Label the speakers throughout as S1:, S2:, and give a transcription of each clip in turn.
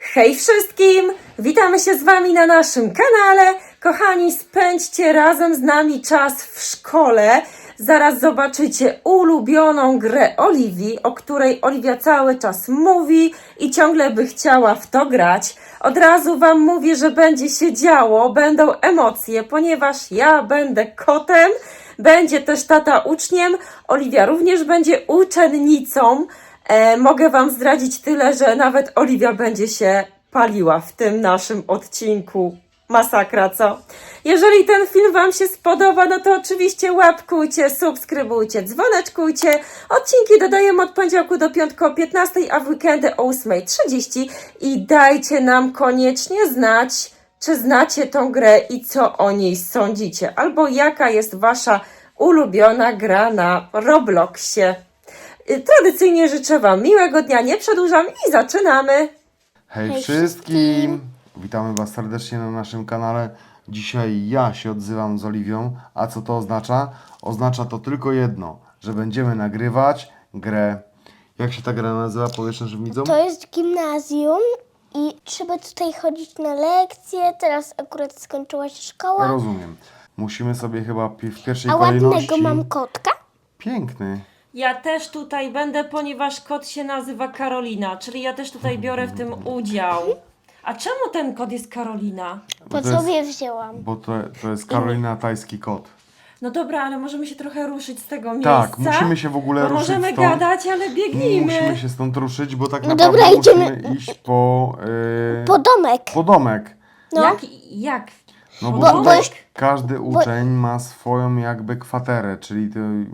S1: Hej wszystkim! Witamy się z Wami na naszym kanale. Kochani, spędźcie razem z nami czas w szkole. Zaraz zobaczycie ulubioną grę Oliwii, o której Oliwia cały czas mówi i ciągle by chciała w to grać. Od razu Wam mówię, że będzie się działo, będą emocje, ponieważ ja będę kotem, będzie też tata uczniem, Oliwia również będzie uczennicą. Mogę Wam zdradzić tyle, że nawet Oliwia będzie się paliła w tym naszym odcinku. Masakra, co? Jeżeli ten film Wam się spodoba, no to oczywiście łapkujcie, subskrybujcie, dzwoneczkujcie. Odcinki dodajemy od poniedziałku do piątku o 15, a w weekendy o 8:30. I dajcie nam koniecznie znać, czy znacie tą grę i co o niej sądzicie. Albo jaka jest Wasza ulubiona gra na Robloxie. Tradycyjnie życzę Wam miłego dnia, nie przedłużam i zaczynamy.
S2: Hej wszystkim! Witamy Was serdecznie na naszym kanale. Dzisiaj ja się odzywam z Oliwią. A co to oznacza? Oznacza to tylko jedno, że będziemy nagrywać grę. Jak się ta gra nazywa? Powiesz naszym widzom?
S3: To jest gimnazjum i trzeba tutaj chodzić na lekcje. Teraz akurat skończyła się szkoła.
S2: Rozumiem. Musimy sobie chyba w pierwszej
S3: A
S2: kolejności...
S3: ładnego mam kotka.
S2: Piękny.
S1: Ja też tutaj będę, ponieważ kot się nazywa Karolina, czyli ja też tutaj biorę w tym udział. A czemu ten kot jest Karolina?
S3: Po
S2: to jest-
S3: sobie wzięłam.
S2: Bo to jest Karolina, tajski kot.
S1: No dobra, ale możemy się trochę ruszyć z tego miejsca.
S2: Tak, musimy się w ogóle
S1: bo
S2: ruszyć
S1: możemy
S2: stąd.
S1: gadać, ale biegnijmy.
S2: Musimy się stąd ruszyć, bo tak
S3: No
S2: naprawdę
S3: dobra,
S2: musimy
S3: idziemy.
S2: iść po
S3: domek.
S2: domek.
S3: No.
S1: Jak?
S2: No bo
S3: Bo-
S2: tutaj
S3: bo-
S2: każdy uczeń ma swoją jakby kwaterę, czyli to...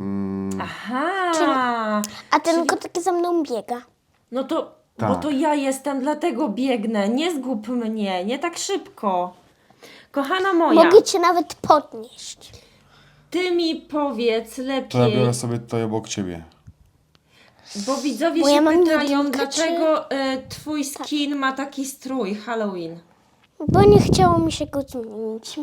S1: Aha.
S3: A ten kotek za mną biega.
S1: No to,
S2: Tak.
S1: bo to ja jestem, dlatego biegnę. Nie zgub mnie, nie tak szybko. Kochana moja,
S3: Mogę cię nawet podnieść.
S1: ty mi powiedz
S2: To ja
S1: lepiej,
S2: biorę sobie tutaj obok ciebie.
S1: bo widzowie
S3: Bo
S1: się
S3: ja mam
S1: pytają,
S3: jedynkę,
S1: dlaczego twój skin ma taki strój Halloween.
S3: Bo nie chciało mi się go zmienić.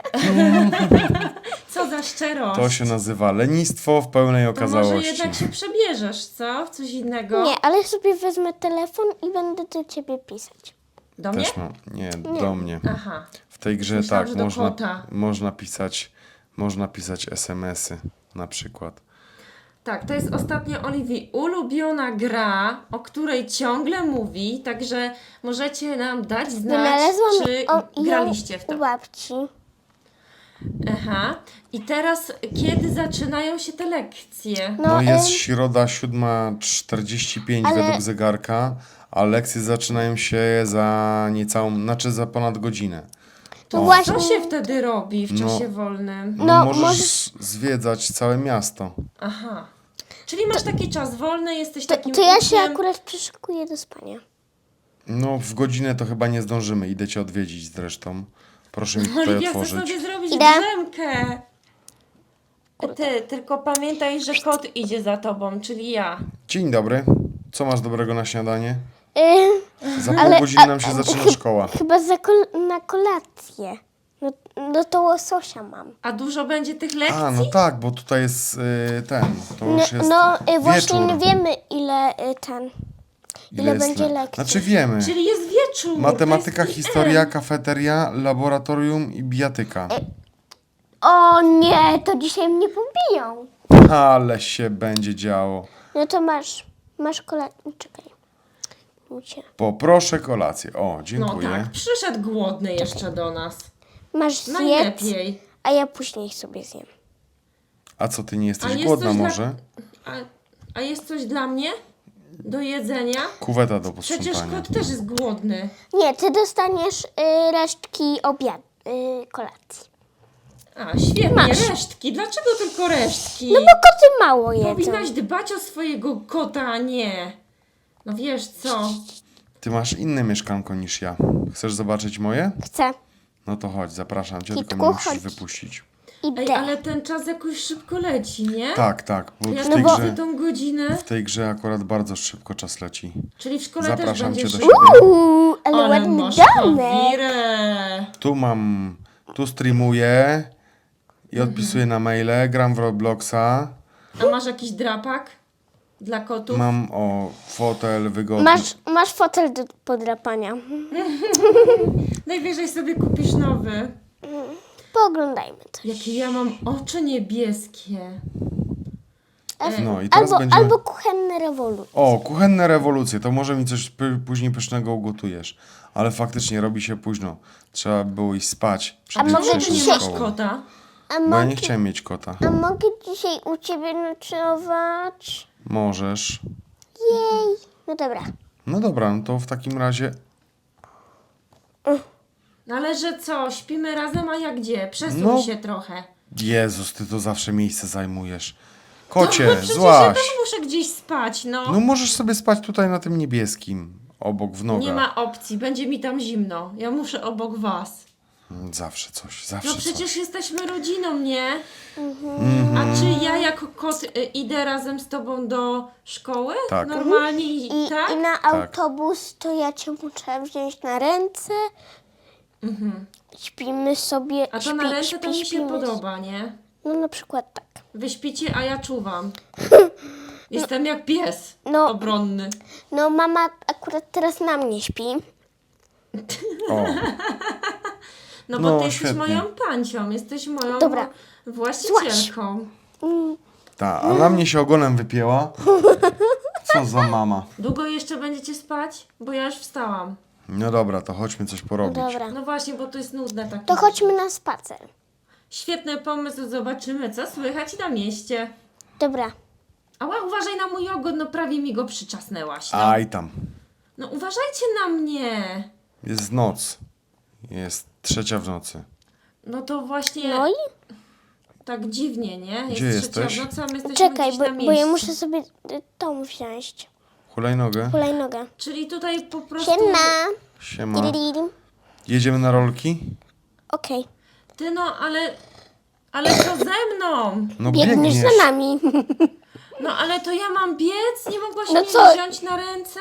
S1: Co za szczerość.
S2: To się nazywa lenistwo w pełnej
S1: To może
S2: okazałości.
S1: jednak się przebierzesz, co? W coś innego?
S3: Nie, ale sobie wezmę telefon i będę do ciebie pisać.
S1: Do mnie?
S2: Też mam. Nie, do mnie.
S1: Aha.
S2: W tej grze
S1: Myślałam,
S2: tak,
S1: że do kota.
S2: można pisać SMS-y na przykład.
S1: Tak, to jest ostatnio Oliwii ulubiona gra, o której ciągle mówi, także możecie nam dać znać,
S3: Wynalazłam
S1: czy
S3: ją
S1: graliście w to.
S3: u babci.
S1: Aha. I teraz, kiedy zaczynają się te lekcje?
S2: No jest środa 7:45
S3: ale-
S2: według zegarka, a lekcje zaczynają się za ponad godzinę.
S3: To
S2: O.
S3: właśnie.
S1: Co się wtedy robi w
S2: No.
S1: czasie wolnym?
S2: No,
S3: No,
S2: możesz zwiedzać całe miasto.
S1: Aha. Czyli masz taki czas wolny, jesteś takim
S3: To ja się
S1: uczniem.
S3: akurat przyszykuję do spania.
S2: No w godzinę to chyba nie zdążymy. Idę cię odwiedzić zresztą. Proszę mi tutaj
S1: Oliwia chce
S2: otworzyć.
S1: sobie zrobić
S3: Idę.
S1: drzemkę. Ty, tylko pamiętaj, że kot idzie za tobą, czyli ja.
S2: Dzień dobry. Co masz dobrego na śniadanie? Za pół
S3: ale-
S2: godziny nam się zaczyna szkoła.
S3: Chyba na kolację. No to łososia mam.
S1: A dużo będzie tych lekcji?
S2: A, no tak, bo tutaj jest to już jest
S3: Właśnie
S2: wieczór.
S3: nie wiemy ile ile
S2: jest
S3: będzie
S2: le-
S3: lekcji.
S2: Znaczy wiemy.
S1: Czyli jest wieczór.
S2: Matematyka,
S1: to jest
S2: historia, kafeteria, laboratorium i bijatyka.
S3: O nie, to dzisiaj mnie pobiją.
S2: Ale się będzie działo.
S3: No to masz kolację. Czekaj. Ucie.
S2: Poproszę kolację. O,
S1: No
S2: dziękuję.
S1: tak, przyszedł głodny jeszcze do nas.
S3: Masz zjedz,
S1: Najlepiej.
S3: a ja później sobie zjem.
S2: A co, ty nie jesteś
S1: jest
S2: głodna
S1: coś dla-
S2: może?
S1: A jest coś dla mnie? Do jedzenia?
S2: Kuweta do
S1: Przecież
S2: posprzątania.
S1: kot też jest głodny.
S3: Nie, ty dostaniesz resztki kolacji.
S1: A, świetnie,
S3: Masz.
S1: resztki. Dlaczego tylko resztki?
S3: No bo koty mało jedzą.
S1: Powinnaś dbać o swojego kota, a nie. No wiesz co?
S2: Ty masz inne mieszkanko niż ja. Chcesz zobaczyć moje?
S3: Chcę.
S2: No to chodź, zapraszam cię,
S3: Kitku,
S2: tylko mnie musisz
S3: chodź.
S2: wypuścić.
S1: Ej,
S3: Idę.
S1: ale ten czas jakoś szybko leci, nie?
S2: Tak, bo
S1: Ja
S2: w
S1: no
S2: tej,
S1: bo
S2: grze,
S1: tą godzinę.
S2: w tej grze akurat bardzo szybko czas leci.
S1: Czyli w szkole też
S2: Zapraszam cię
S1: będziesz...
S2: do siebie.
S3: Ale ładny
S1: masz
S3: domek.
S1: kawirę.
S2: Tu streamuję i odpisuję na maile, gram w Robloxa.
S1: A masz jakiś drapak? dla kotów.
S2: Mam fotel wygodny.
S3: Masz fotel do podrapania.
S1: Najwyżej sobie kupisz nowy.
S3: Pooglądajmy to.
S1: Jakie ja mam oczy niebieskie.
S2: No i teraz będziemy...
S3: Albo kuchenne rewolucje.
S2: O, kuchenne rewolucje, to może mi coś później pysznego ugotujesz. Ale faktycznie robi się późno. Trzeba było iść spać przed
S3: może
S2: jutrzejszą
S1: Czy nie
S3: dzisiaj-
S1: masz
S2: szkołą.
S1: kota?
S3: A
S2: Bo ja nie
S3: mogę,
S2: chciałem mieć kota.
S3: a mogę dzisiaj u ciebie nocować?
S2: Możesz.
S3: Jej. No dobra.
S2: No dobra, no to w takim razie...
S1: No ale że co, śpimy razem, a ja gdzie? Przesuń
S2: No.
S1: się trochę.
S2: Jezus, ty to zawsze miejsce zajmujesz. Kocie,
S1: No, przecież ja
S2: złaś.
S1: też muszę gdzieś spać, no.
S2: No możesz sobie spać tutaj na tym niebieskim. Obok w nogach.
S1: Nie ma opcji, będzie mi tam zimno. Ja muszę obok was.
S2: Zawsze coś, zawsze
S1: No
S2: coś.
S1: przecież jesteśmy rodziną, nie? A czy ja jako kot idę razem z tobą do szkoły?
S2: Tak.
S1: Normalnie
S3: I
S1: tak?
S3: na autobus to ja cię muszę wziąć na ręce. Śpimy sobie.
S1: A to na ręce to mi się
S3: śpimy.
S1: podoba, nie?
S3: No na przykład tak.
S1: Wy śpicie, a ja czuwam. Jestem jak pies
S3: No.
S1: obronny.
S3: No mama akurat teraz na mnie śpi.
S2: O,
S1: No bo
S2: No,
S1: ty jesteś
S2: świetnie.
S1: moją pancią, jesteś moją
S3: Dobra.
S1: właścicielką.
S2: ta, a na mnie się ogonem wypięła. Co za mama.
S1: Długo jeszcze będziecie spać? Bo ja już wstałam.
S2: No dobra, to chodźmy coś porobić.
S3: Dobra.
S1: No właśnie, bo to jest nudne takie.
S3: To chodźmy na spacer.
S1: Świetny pomysł, zobaczymy co słychać na mieście.
S3: Dobra.
S1: Ała, uważaj na mój ogon, no prawie mi go przyczasnęłaś. No,
S2: Aj tam.
S1: no uważajcie na mnie.
S2: Jest noc. Jest 3 w nocy.
S1: No to właśnie
S3: No i
S1: tak dziwnie, nie? Jest
S2: Gdzie
S1: trzecia
S2: jesteś?
S1: w nocy, a my jesteśmy
S3: czekaj,
S1: gdzieś na
S3: bo
S1: mieście.
S3: ja muszę sobie tą wziąć.
S2: Hulajnogę.
S3: Hulajnogę.
S1: Czyli tutaj po prostu...
S3: Siema.
S2: Siema.
S3: Diri.
S2: Jedziemy na rolki?
S3: Okej.
S1: Ty no, ale co ze mną?
S2: No
S3: Biegniesz
S2: biegniesz.
S3: za nami.
S1: No ale to ja mam biec? Nie mogłaś
S3: No
S1: mnie
S3: co?
S1: wziąć na ręce?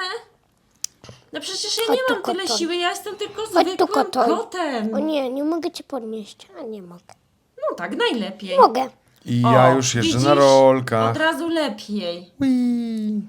S1: No przecież ja
S3: Chodź
S1: nie
S3: tu,
S1: mam tyle
S3: kotoń.
S1: siły, ja jestem tylko
S3: tu,
S1: zwykłym
S3: kotoń.
S1: kotem.
S3: O nie, nie mogę cię podnieść. A nie mogę.
S1: No tak, najlepiej.
S3: Mogę.
S2: I
S1: O,
S2: ja już jeżdżę
S1: widzisz?
S2: na rolkach.
S1: Od razu lepiej.
S2: Ui.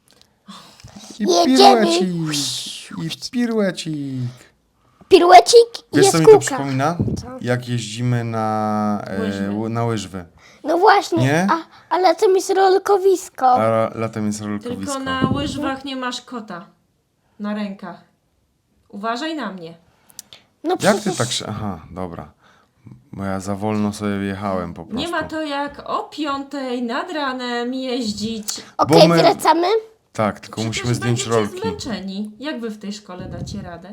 S2: I
S3: Jedziemy.
S2: piruecik. I piruecik.
S3: Piruecik i
S2: Wiesz co mi
S3: jaskółka.
S2: to przypomina?
S3: Co?
S2: Jak jeździmy
S1: Łyżwy.
S2: na łyżwy.
S3: No właśnie,
S2: Nie?
S3: ale to jest rolkowisko.
S2: A latem jest rolkowisko.
S1: Tylko na łyżwach nie masz kota. Na rękach. Uważaj na mnie.
S3: No
S2: Jak ty
S3: przecież
S2: tak się... Aha, dobra. Bo ja za wolno sobie wjechałem po prostu.
S1: Nie ma to jak o 5:00 nad ranem jeździć.
S3: Okej,
S2: bo my-
S3: wracamy.
S2: Tak, tylko
S1: Przecież
S2: musimy zdjąć
S1: będziecie
S2: rolki.
S1: zmęczeni. Jak wy w tej szkole dacie radę?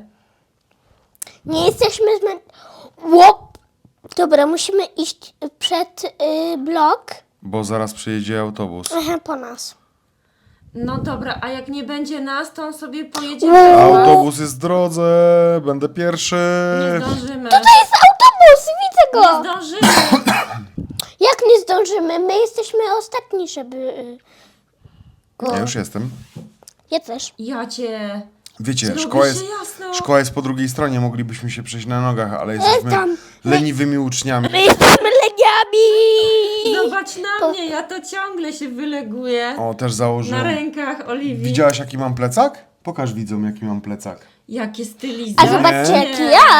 S3: Nie jesteśmy Łop. Dobra, musimy iść przed blok.
S2: Bo zaraz przyjedzie autobus.
S3: Aha, po nas.
S1: No dobra, a jak nie będzie nas, to on sobie pojedzie
S3: Wow.
S1: bez was.
S2: Autobus jest w drodze, będę pierwszy.
S1: Nie zdążymy.
S3: To jest autobus, widzę
S1: Nie
S3: go.
S1: zdążymy.
S3: Jak nie zdążymy? My jesteśmy ostatni, żeby go...
S2: Ja już jestem.
S3: Ja też.
S1: Ja cię...
S2: Wiecie,
S1: Zrobi
S2: szkoła
S1: się
S2: jest,
S1: jasno.
S2: szkoła jest po drugiej stronie, moglibyśmy się przejść na nogach, ale jesteśmy
S3: tam.
S2: leniwymi uczniami.
S3: My jesteśmy leniami.
S1: Zobacz na mnie, ja to ciągle się wyleguję.
S2: O, też
S1: Na
S2: założyłem.
S1: rękach Oliwii.
S2: Widziałaś jaki mam plecak? Pokaż widzom jaki mam plecak.
S1: Jakie
S3: A
S1: stylizacje.
S3: zobaczcie, jaki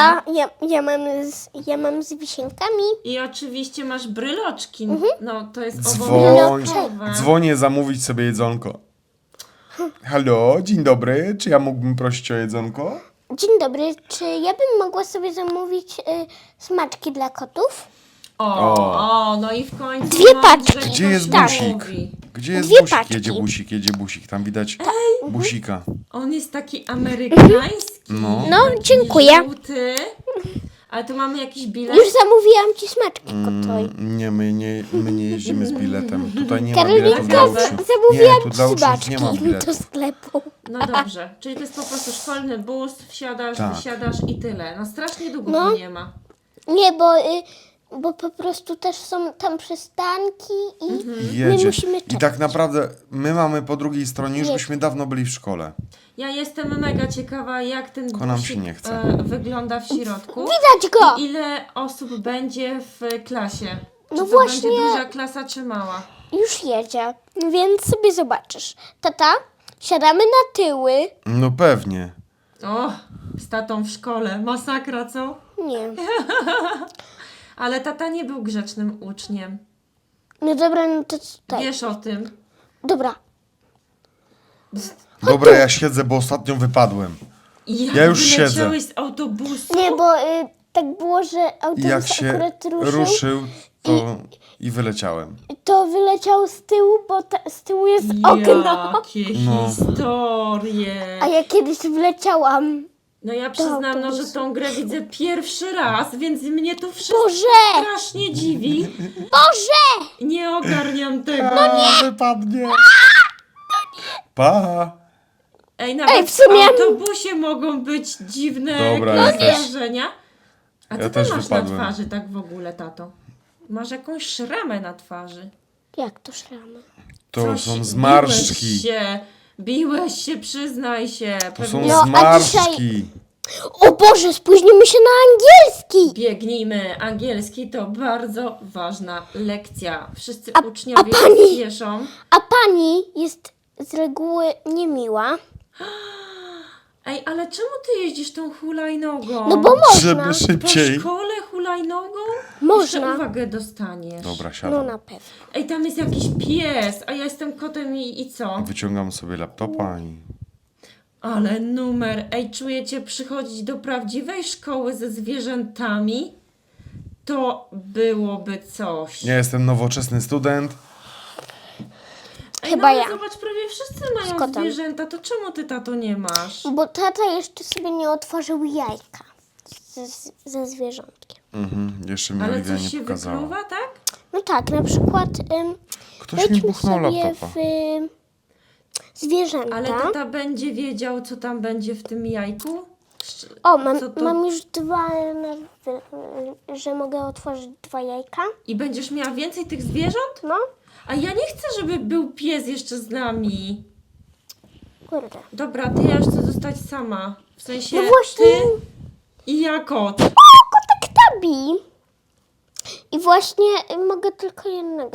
S3: ja mam z wisienkami.
S1: I oczywiście masz bryloczki. No, to jest
S2: Dzwoń,
S1: obowiązkowe.
S2: dzwonię zamówić sobie jedzonko. Halo, dzień dobry, czy ja mógłbym prosić o jedzonko?
S3: Dzień dobry, czy ja bym mogła sobie zamówić smaczki dla kotów?
S1: No i w końcu.
S3: Dwie
S1: mądrze
S3: paczki.
S1: ktoś
S2: Gdzie jest
S1: tak
S2: busik?
S1: mówi.
S2: Gdzie jest
S3: Dwie
S2: busik?
S3: paczki.
S2: Jedzie busik, tam widać busika.
S1: On jest taki amerykański.
S2: No.
S1: taki
S3: dziękuję.
S1: Żółty. Ale tu mamy jakiś bilet.
S3: Już zamówiłam ci smaczki kotoj.
S2: Nie, my nie jeździmy z biletem. Tutaj nie ma
S3: Karolinka,
S2: biletu dla uczniów.
S3: zamówiłam
S2: Nie, tu dla
S3: ci
S2: uczniów nie ma
S3: smaczki
S2: biletu.
S3: do sklepu.
S1: No dobrze, czyli to jest po prostu szkolny bus, wsiadasz,
S2: Tak.
S1: wysiadasz i tyle. No strasznie długo
S3: No.
S1: tu nie ma.
S3: Nie, bo po prostu też są tam przystanki i my
S2: Jedzie.
S3: musimy
S2: I
S3: czekać.
S2: tak naprawdę my mamy po drugiej stronie, już byśmy dawno byli w szkole.
S1: Ja jestem mega ciekawa, jak ten
S2: Tylko nam
S1: busik
S2: się nie chce.
S1: wygląda w środku.
S3: Widać go!
S1: I ile osób będzie w klasie? Czy
S3: No
S1: to
S3: właśnie.
S1: będzie duża klasa czy mała?
S3: już jedzie, więc sobie zobaczysz. Tata, siadamy na tyły.
S2: No pewnie.
S1: O, z tatą w szkole. Masakra, co?
S3: Nie.
S1: Ale tata nie był grzecznym uczniem.
S3: No dobra, no to tutaj.
S1: Wiesz o tym.
S3: Dobra.
S2: Dobra, ja siedzę, bo ostatnio wypadłem.
S1: I jak
S2: Ja już siedzę.
S1: wyleciałeś z autobusu?
S3: Nie, bo tak było, że
S2: I
S3: autobus
S2: jak się
S3: akurat
S2: ruszył, to i wyleciałem.
S3: to wyleciał z tyłu, bo z tyłu jest okno.
S1: Jakie
S2: No.
S1: historie.
S3: A ja kiedyś wleciałam.
S1: No ja przyznam, no, że
S3: autobusu.
S1: tą grę widzę pierwszy raz, więc mnie to wszystko
S3: Boże!
S1: strasznie dziwi.
S3: Boże!
S1: Nie ogarniam tego.
S2: Wypadnie. Pa.
S1: Ej, nawet
S3: w sumie-
S1: w autobusie mogą być dziwne
S2: Dobra,
S1: jakieś
S2: ja też.
S1: zdarzenia. A co
S2: Ja
S1: ty
S2: też
S1: masz
S2: wypadłem.
S1: na twarzy tak w ogóle, tato? Masz jakąś szramę na twarzy.
S3: Jak to szramy?
S2: To
S1: Coś
S2: są zmarszczki.
S1: Biłeś się, przyznaj się.
S2: To są
S1: Pewnie
S3: No, a
S2: zmarszczki.
S3: O Boże, spóźnimy się na angielski!
S1: biegnijmy. Angielski to bardzo ważna lekcja. Wszyscy
S3: A
S1: uczniowie
S3: pani-
S1: spieszą.
S3: A pani jest z reguły niemiła.
S1: Ej, ale czemu ty jeździsz tą hulajnogą?
S3: No bo można.
S2: Żeby
S1: Po
S2: szybciej.
S1: szkole hulajnogą?
S3: Można.
S1: Jeszcze uwagę dostaniesz.
S2: Dobra,
S3: No
S2: siadam.
S3: na pewno.
S1: Ej, tam jest jakiś pies, a ja jestem kotem i co?
S2: Wyciągam sobie laptopa i...
S1: Ale numer. Ej, czujecie przychodzić do prawdziwej szkoły ze zwierzętami? To byłoby coś.
S2: Ja jestem nowoczesny student.
S1: Ej,
S3: Chyba
S1: no, ale
S3: ja.
S1: zobacz, prawie wszyscy
S3: Z
S1: mają
S3: kotem.
S1: zwierzęta, to czemu ty, tato, nie masz?
S3: Bo tata jeszcze sobie nie otworzył jajka ze zwierzątkiem.
S2: Jeszcze mi
S1: Ale
S2: Oliwia
S1: coś
S2: nie
S1: się
S2: pokazała.
S1: wykluwa, tak?
S3: No tak, na przykład
S2: Ktoś mi
S3: wejdźmy
S2: buchnął
S3: sobie
S2: laptopa.
S3: w zwierzęta.
S1: Ale tata będzie wiedział, co tam będzie w tym jajku?
S3: O,
S1: Co to-
S3: mam już dwa, że mogę otworzyć 2 jajka.
S1: I będziesz miała więcej tych zwierząt?
S3: No,
S1: A ja nie chcę, żeby był pies jeszcze z nami.
S3: kurde.
S1: Dobra, ty ja już chcę zostać sama. W sensie
S3: No właśnie.
S1: ty i ja kot.
S3: Kotek Tabi. I właśnie mogę tylko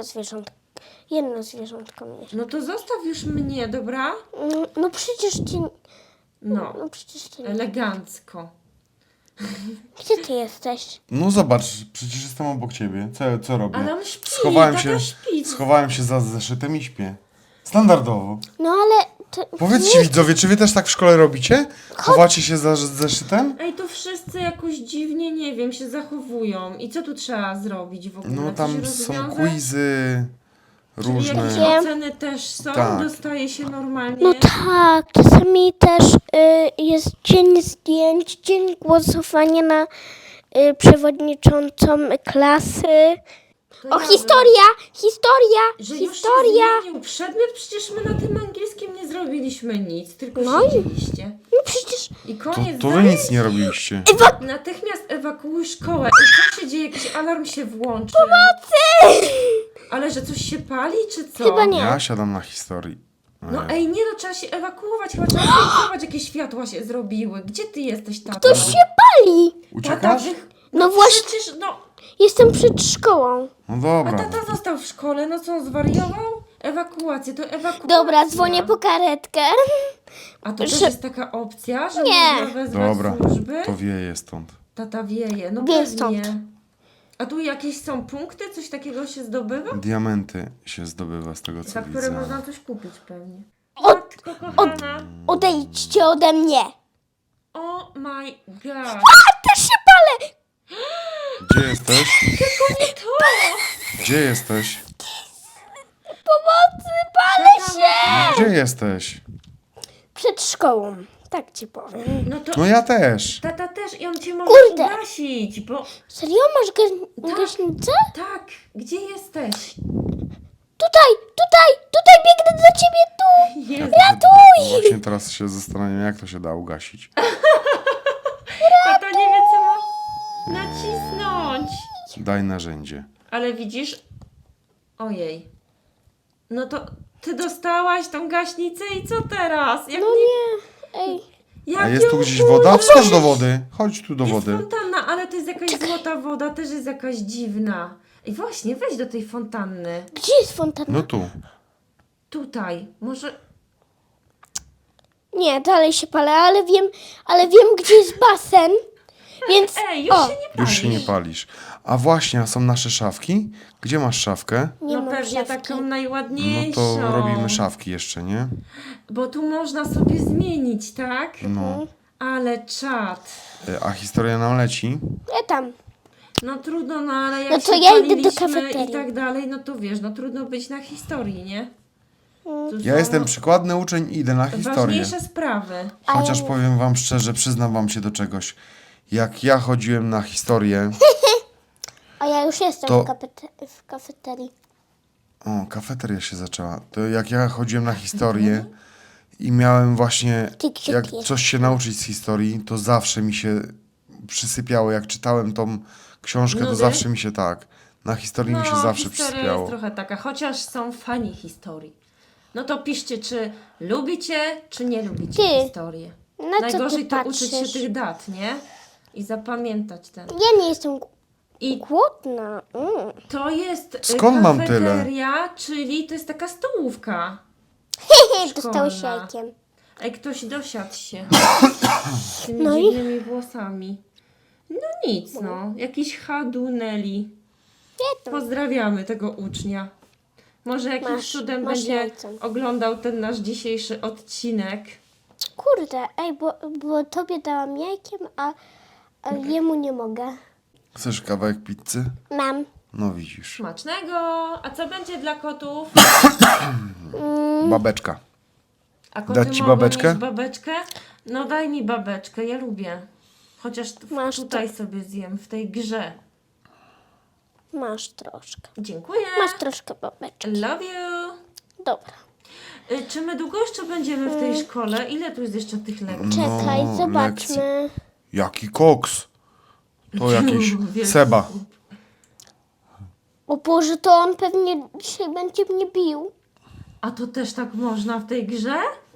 S3: jedno zwierzątko mieć.
S1: No to zostaw już mnie, dobra?
S3: No przecież cię...
S1: No,
S3: No przecież cię...
S1: elegancko.
S3: Gdzie ty jesteś?
S2: No zobacz, przecież jestem obok ciebie. Co robię?
S1: Ale on śpi,
S2: Schowałem
S1: tata
S2: się,
S1: śpi.
S2: schowałem się za zeszytem i śpię. Standardowo.
S3: No ale... To...
S2: Powiedzcie widzowie, czy wy też tak w szkole robicie? Chowacie się za zeszytem?
S1: Ej, to wszyscy jakoś dziwnie, nie wiem, się zachowują. I co tu trzeba zrobić w ogóle?
S2: No
S1: Coś
S2: tam są
S1: rozwiązać?
S2: quizy
S1: Czyli jakieś
S2: różne.
S1: oceny też są?
S2: Tak.
S1: Dostaje się normalnie?
S3: No tak, czasami też jest dzień zdjęć, dzień głosowania na przewodniczącą klasy.
S1: To
S3: O,
S1: ja
S3: historia!
S1: Że już się
S3: Historia!
S1: zmienił przedmiot, przecież my na tym angielskim nie zrobiliśmy nic, tylko
S3: No i-
S1: siedzieliście.
S3: No przecież...
S1: I
S2: To,
S1: koniec
S2: to wy
S1: zajęć.
S2: nic nie robiliście.
S1: Natychmiast ewakuuj szkołę. I co się dzieje? Jakiś alarm się włączy. Pomocy! Ale że coś się pali, czy co?
S3: Chyba nie.
S2: Ja siadam na historii.
S1: No ej, nie no, trzeba się ewakuować, chyba trzeba zobacz, jakie światła się zrobiły. Gdzie ty jesteś, tato?
S3: To się pali!
S2: Uciekasz?
S3: No właśnie.
S1: Przecież, no,
S3: Jestem przed szkołą.
S2: No
S1: a
S2: dobra.
S1: tata został w szkole, no co, on zwariował? Ewakuację, to ewakuacja.
S3: Dobra, dzwonię po karetkę.
S1: A to też
S3: że-
S1: jest taka opcja, że
S3: Nie.
S1: można wezwać
S2: Dobra,
S1: służby?
S2: to wieje stąd.
S1: Tata wieje, no
S3: Wieje
S1: pewnie.
S3: stąd.
S1: A tu jakieś są punkty? Coś takiego się zdobywa?
S2: Diamenty się zdobywa z tego co
S1: Za które
S2: widzę.
S1: można coś kupić pewnie.
S3: Od-
S1: Matko kochana.
S3: Odejdźcie ode mnie.
S1: Oh my god.
S3: A też się palę!
S2: Gdzie jesteś?
S1: Tylko nie to.
S2: Gdzie jesteś?
S3: Pomocy, palę się!
S2: Gdzie jesteś?
S3: Przed szkołą. Tak ci powiem.
S1: No to
S2: No ja też.
S1: tata też i on cię może
S3: Kurde.
S1: ugasić, bo
S3: Serio? Masz gaśnicę?
S1: tak, gdzie jesteś?
S3: Tutaj biegnę do ciebie tu!
S1: Jest.
S2: Właśnie teraz się zastanawiam, jak to się da ugasić.
S1: Tata nie wie co ma nacisnąć.
S2: Daj narzędzie.
S1: Ale widzisz? Ojej. No to ty dostałaś tą gaśnicę i co teraz? Jak
S3: No nie. Ej.
S1: Jak
S2: A jest tu
S1: ją
S2: gdzieś woda? Wskocz do wody. Chodź tu do
S1: Jest
S2: wody.
S1: fontanna, ale to jest jakaś złota woda, też jest jakaś dziwna. I właśnie, wejdź do tej fontanny.
S3: Gdzie jest fontanna?
S2: No tu.
S1: Tutaj. Może...
S3: Nie, dalej się palę, ale wiem, gdzie jest basen. Więc.
S1: Ej, już
S3: o,
S1: się nie palisz.
S2: Już się nie palisz. A właśnie, a są nasze szafki? Gdzie masz szafkę?
S3: nie
S1: No
S3: mam
S1: pewnie
S3: szafki.
S1: taką
S2: No
S1: najładniejszą.
S2: to robimy szafki jeszcze, nie?
S1: Bo tu można sobie zmienić, tak?
S2: No.
S1: Ale czad.
S2: A historia nam leci?
S3: Ja tam.
S1: No trudno, no ale jak
S3: No to
S1: się
S3: ja idę do
S1: paliliśmy
S3: kafeterii.
S1: i tak dalej, no to wiesz, no trudno być na historii, nie? Tu
S2: Ja
S1: są
S2: jestem przykładny uczeń i idę na historię.
S1: ważniejsze sprawy.
S2: Chociaż powiem wam szczerze, przyznam wam się do czegoś. Jak ja chodziłem na historię...
S3: A ja już jestem
S2: To-
S3: w kafeterii.
S2: O, kafeteria się zaczęła. To jak ja chodziłem na historię i miałem właśnie,
S3: Ty gdzie
S2: jak
S3: pijesz?
S2: coś się nauczyć z historii, to zawsze mi się przysypiało. Jak czytałem tą książkę, to
S1: Nudy?
S2: zawsze mi się tak. Na historii mi się zawsze
S1: historia
S2: przysypiało.
S1: jest trochę taka, chociaż są fani historii. No to piszcie, czy lubicie, czy nie lubicie
S3: Ty,
S1: historię.
S3: na co
S1: Najgorzej
S3: ty
S1: to uczyć
S3: patrzysz?
S1: się tych dat, nie? I zapamiętać ten.
S3: Ja nie jestem
S1: I
S3: głodna.
S1: to jest
S2: Skąd mam tyle?
S1: kafeteria, czyli to jest taka stołówka.
S3: Dostałeś
S1: Szkolna.
S3: jajkiem.
S1: Ej, ktoś dosiadł się z tymi
S3: No i?
S1: dziwnymi włosami. No nic, no. Jakiś Haduneli.
S3: Nie to.
S1: Pozdrawiamy tego ucznia. Może jakimś
S3: Masz-
S1: cudem
S3: masz
S1: będzie
S3: jajce.
S1: oglądał ten nasz dzisiejszy odcinek.
S3: Kurde, ej, bo tobie dałam jajkiem, a jemu nie mogę.
S2: Chcesz kawałek pizzy?
S3: Mam.
S2: No widzisz.
S1: Smacznego! A co będzie dla kotów?
S2: Babeczka.
S1: A koty
S2: Dać ci
S1: mogą
S2: babeczkę?
S1: mieć babeczkę? No daj mi babeczkę, ja lubię. Chociaż
S3: Masz
S1: tutaj sobie zjem, w tej grze.
S3: Masz troszkę.
S1: Dziękuję.
S3: Masz troszkę babeczki.
S1: Love you.
S3: Dobra.
S1: Czy my długo jeszcze będziemy w tej szkole? Ile tu jest jeszcze tych lekcji?
S3: Czekaj,
S2: No,
S3: zobaczmy.
S2: Jaki koks? To jakiś
S1: Wielki
S2: Seba.
S1: chłop.
S3: O Boże, to on pewnie dzisiaj będzie mnie bił.
S1: A to też tak można w tej grze?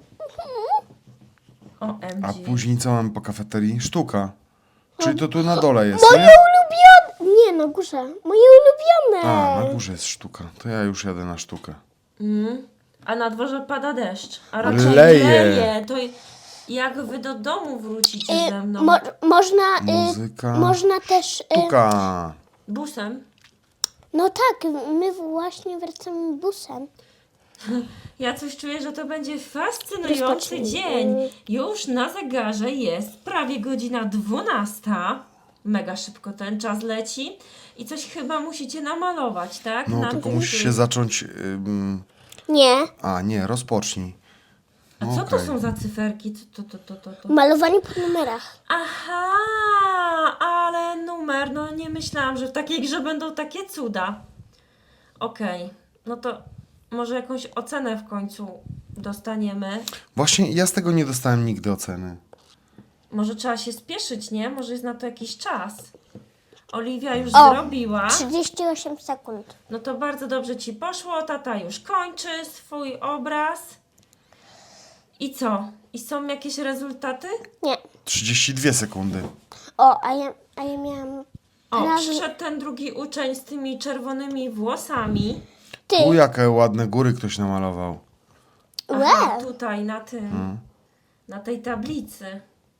S1: OMG.
S2: A później co mamy po kafeterii? Sztuka. Czyli to tu na dole jest,
S3: Moje
S2: nie?
S3: ulubione! Nie, na górze. Moje ulubione.
S2: A, na górze jest sztuka. To ja już jadę na sztukę.
S1: A na dworze pada deszcz. A raczej
S2: Leje.
S1: leje. To jak wy do domu wrócicie ze mną?
S3: Można,
S2: Muzyka.
S3: można też...
S2: Sztuka.
S1: Busem?
S3: No tak, my właśnie wracamy busem.
S1: Ja coś czuję, że to będzie fascynujący
S3: Rozpocznij.
S1: dzień. Już na zegarze jest prawie godzina 12. Mega szybko ten czas leci. I coś chyba musicie namalować, tak?
S2: No
S1: Na
S2: tylko
S1: tym
S2: musisz
S1: tu.
S2: się zacząć...
S3: Nie,
S2: A, nie, rozpocznij.
S1: A
S2: No
S1: co to
S2: okej.
S1: są za cyferki? To?
S3: malowanie po numerach.
S1: Aha, ale numer. No nie myślałam, że w takiej grze będą takie cuda. Okej, no to może jakąś ocenę w końcu dostaniemy.
S2: Właśnie ja z tego nie dostałem nigdy oceny.
S1: Może trzeba się spieszyć, nie? Może jest na to jakiś czas. Oliwia już
S3: O,
S1: zrobiła.
S3: 38 sekund.
S1: No to bardzo dobrze ci poszło. Tata już kończy swój obraz. I co? I są jakieś rezultaty?
S3: Nie.
S2: 32 sekundy.
S3: O, a ja miałam
S1: O,
S3: prawie...
S1: przyszedł ten drugi uczeń z tymi czerwonymi włosami.
S3: Ty,
S2: U, jakie ładne góry ktoś namalował.
S1: Aha,
S3: Łe.
S1: tutaj na tym. Na tej tablicy.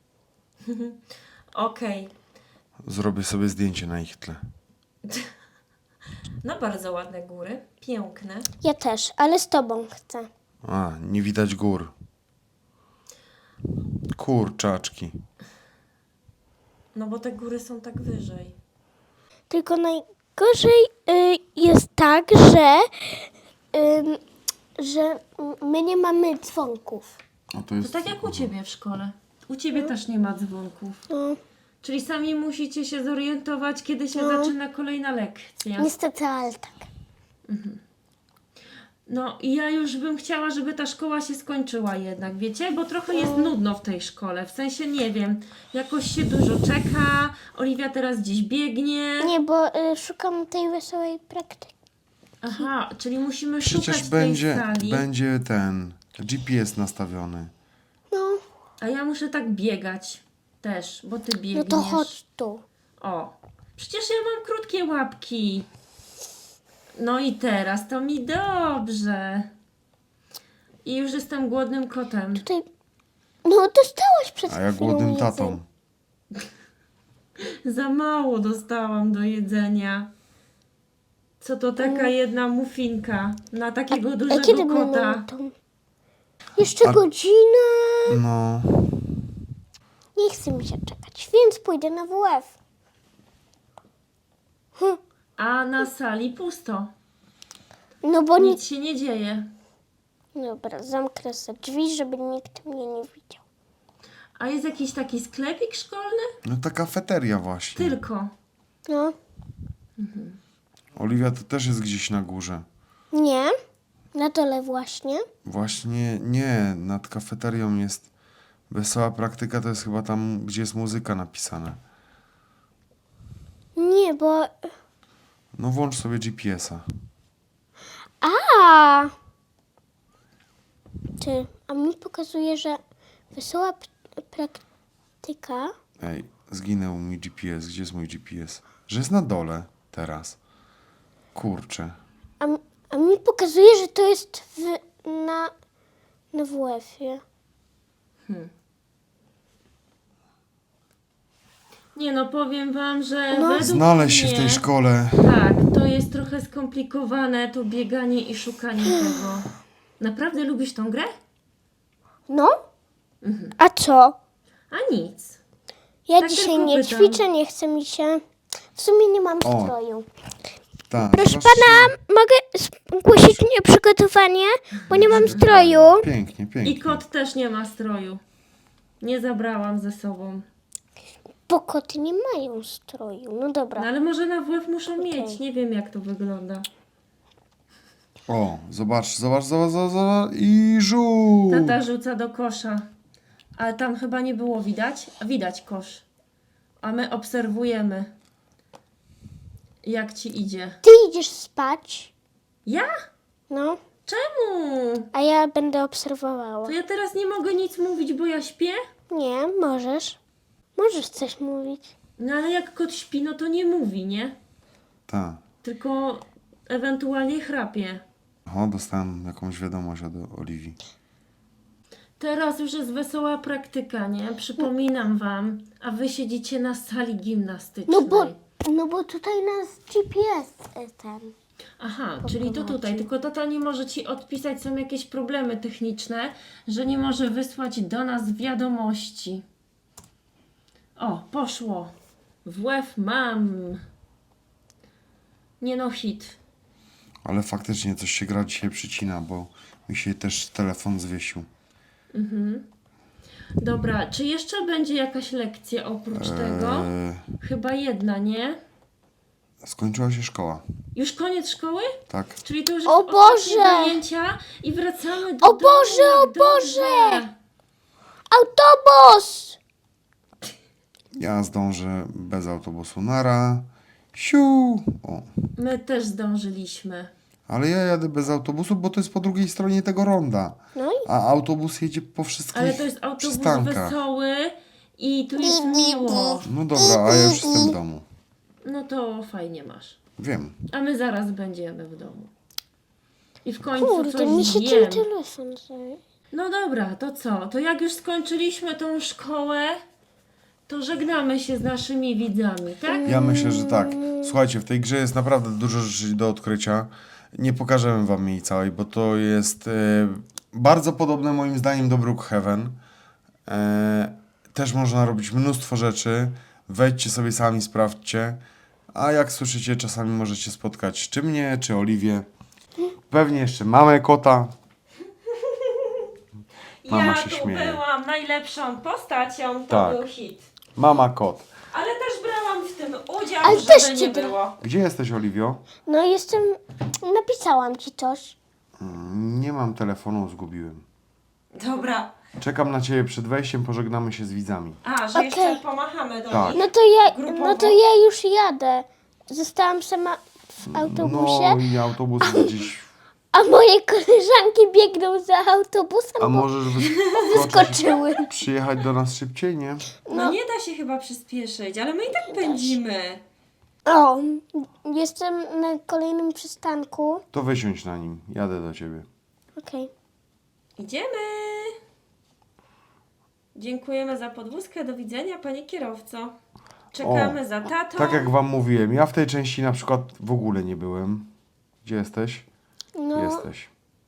S1: Okej.
S2: Zrobię sobie zdjęcie na ich tle.
S1: No bardzo ładne góry. Piękne.
S3: Ja też, ale z tobą chcę.
S2: A, nie widać gór. Kurczaczki.
S1: No bo te góry są tak wyżej.
S3: Tylko najgorzej jest tak, że my nie mamy dzwonków.
S2: A to
S1: To
S2: jest...
S1: tak jak u ciebie w szkole. U ciebie też nie ma dzwonków.
S3: No,
S1: Czyli sami musicie się zorientować, kiedy się zaczyna kolejna lekcja.
S3: niestety, ale tak.
S1: No i ja już bym chciała, żeby ta szkoła się skończyła jednak, wiecie? Bo trochę jest nudno w tej szkole. W sensie, nie wiem, jakoś się dużo czeka. Oliwia teraz gdzieś biegnie.
S3: Nie, bo szukam tej wesołej praktyki.
S1: Aha, czyli musimy szukać
S2: Przecież
S1: tej
S2: będzie,
S1: sali.
S2: będzie ten GPS nastawiony.
S3: No,
S1: A ja muszę tak biegać też, bo ty biegniesz.
S3: no to chodź tu.
S1: O, przecież ja mam krótkie łapki. No i teraz to mi dobrze. I już jestem głodnym kotem.
S3: Tutaj... No dostałaś przed
S2: A ja
S3: chwilą
S2: głodnym
S3: jedzenie.
S2: tatą.
S1: Za mało dostałam do jedzenia. Co to taka jedna muffinka na takiego
S3: A
S1: dużego
S3: kiedy
S1: kota?
S3: będą tą? Jeszcze godzinę.
S2: No,
S3: Nie chce mi się czekać, więc pójdę na WF.
S1: A na sali pusto.
S3: No bo
S1: Nic się nie dzieje.
S3: Dobra, zamknę sobie drzwi, żeby nikt mnie nie widział.
S1: A jest jakiś taki sklepik szkolny?
S2: no ta kafeteria właśnie.
S1: Tylko.
S3: No,
S2: Oliwia to też jest gdzieś na górze.
S3: nie. Na dole właśnie.
S2: Właśnie nie, nad kafeterią jest wesoła praktyka, to jest chyba tam, gdzie jest muzyka napisana.
S3: Nie, bo...
S2: No włącz sobie GPS-a.
S3: A! A mi pokazuje, że wesoła praktyka...
S2: Ej, zginął mi GPS. Gdzie jest mój GPS? Że jest na dole teraz. Kurczę.
S3: A mi pokazuje, że to jest na WF-ie.
S1: Nie no, powiem wam, że
S3: No.
S1: według
S2: Znaleźć się
S1: mnie,
S2: w tej szkole.
S1: Tak, to jest trochę skomplikowane, to bieganie i szukanie tego. Naprawdę lubisz tą grę?
S3: No? A co?
S1: A nic.
S3: Ja
S1: Tak
S3: dzisiaj
S1: tylko
S3: nie
S1: pytam.
S3: ćwiczę, nie chce mi się. W sumie nie mam
S2: O.
S3: stroju.
S2: Tak.
S3: Proszę
S2: zobaczcie.
S3: pana, mogę zgłosić mnie przygotowanie, bo nie mam stroju.
S2: Pięknie, pięknie.
S1: I kot też nie ma stroju. Nie zabrałam ze sobą.
S3: Bo koty nie mają stroju. No
S1: No
S3: dobra.
S1: ale może na WF muszą mieć. Nie wiem jak to wygląda.
S2: O, zobacz. I żółw.
S1: Tata rzuca do kosza. Ale tam chyba nie było widać. A widać kosz. A my obserwujemy. Jak ci idzie.
S3: Ty idziesz spać.
S1: Ja?
S3: No.
S1: Czemu?
S3: A ja będę obserwowała.
S1: To ja teraz nie mogę nic mówić, bo ja śpię?
S3: Nie, możesz. Możesz coś mówić.
S1: No ale jak kot śpi, no to nie mówi, nie?
S2: Tak.
S1: Tylko ewentualnie chrapie.
S2: O, dostałem jakąś wiadomość od Oliwii.
S1: Teraz już jest wesoła praktyka, nie? Przypominam wam, a wy siedzicie na sali gimnastycznej.
S3: No bo tutaj nas GPS ten.
S1: Aha, czyli to tutaj, tylko tata nie może ci odpisać, są jakieś problemy techniczne, że nie może wysłać do nas wiadomości. O, poszło. WF mam. Nie no, hit.
S2: Ale faktycznie coś się gra dzisiaj przycina, bo mi się też telefon zwiesił.
S1: Dobra, czy jeszcze będzie jakaś lekcja oprócz tego? Chyba jedna, nie?
S2: Skończyła się szkoła,
S1: Już koniec szkoły?
S2: tak?
S1: Czyli to już
S3: O
S1: jest ostatnie
S3: Boże!
S1: zajęcia i wracamy do
S3: O
S1: domu.
S3: Boże, o
S1: Dobrze.
S3: Boże! Autobus!
S2: Ja zdążę bez autobusu. Nara. Siu. O.
S1: My też zdążyliśmy.
S2: Ale ja jadę bez autobusu, bo to jest po drugiej stronie tego ronda.
S3: No i
S2: A autobus jedzie po wszystkich
S1: Ale to jest autobus
S2: przystankach.
S1: wesoły i tu jest miło.
S2: No dobra, a ja już jestem w domu.
S1: No to fajnie masz.
S2: Wiem.
S1: A my zaraz będziemy w domu. I w końcu
S3: kurde,
S1: coś
S3: mi się
S1: zjem.
S3: ten telefon zajmie.
S1: No dobra, to co? To jak już skończyliśmy tą szkołę, to żegnamy się z naszymi widzami, tak?
S2: Ja myślę, że tak. Słuchajcie, w tej grze jest naprawdę dużo rzeczy do odkrycia. Nie pokażemy wam jej całej, bo to jest bardzo podobne moim zdaniem do Brookhaven. Też można robić mnóstwo rzeczy. Wejdźcie sobie sami, sprawdźcie. A jak słyszycie, czasami możecie spotkać czy mnie, czy Oliwię. Pewnie jeszcze mamę kota. Mama
S1: Ja
S2: się
S1: tu
S2: śmieje.
S1: byłam najlepszą postacią, to
S2: Tak.
S1: był hit.
S2: Mama kot.
S1: Ale też brałam w tym udział,
S3: Ale
S1: żeby
S3: też
S1: nie
S3: ci
S1: było.
S2: Gdzie jesteś, Oliwio?
S3: No jestem... Napisałam ci coś.
S2: Nie mam telefonu, zgubiłem.
S1: Dobra.
S2: Czekam na ciebie przed wejściem, pożegnamy się z widzami.
S1: A, że
S3: Okej.
S1: jeszcze pomachamy do
S2: Tak.
S1: nich.
S3: No to ja już jadę. Zostałam sama w autobusie,
S2: No i autobus gdzieś.
S3: a moje koleżanki biegną za autobusem,
S2: A
S3: bo
S2: możesz
S3: wyskoczyły.
S2: przyjechać do nas szybciej, nie?
S1: No nie da się chyba przyspieszyć, ale my i tak pędzimy.
S3: O, jestem na kolejnym przystanku.
S2: To wysiądź na nim, jadę do ciebie.
S3: Okej.
S1: Idziemy! Dziękujemy za podwózkę. Do widzenia, panie kierowco. Czekamy za tatą.
S2: Tak jak wam mówiłem, ja w tej części na przykład w ogóle nie byłem. Gdzie jesteś?
S3: No.
S2: Jesteś.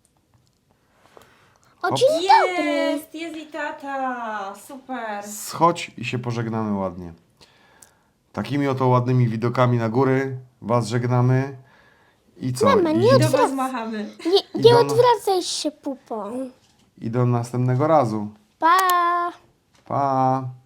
S3: O, dzień dobry.
S1: Jest i tata. Super.
S2: Schodź i się pożegnamy ładnie. Takimi oto ładnymi widokami na góry was żegnamy. I co?
S3: Mama, nie
S1: I do was machamy.
S3: Nie
S2: do-
S3: odwracaj się pupą.
S2: I do następnego razu.
S3: Pa!
S2: Pa!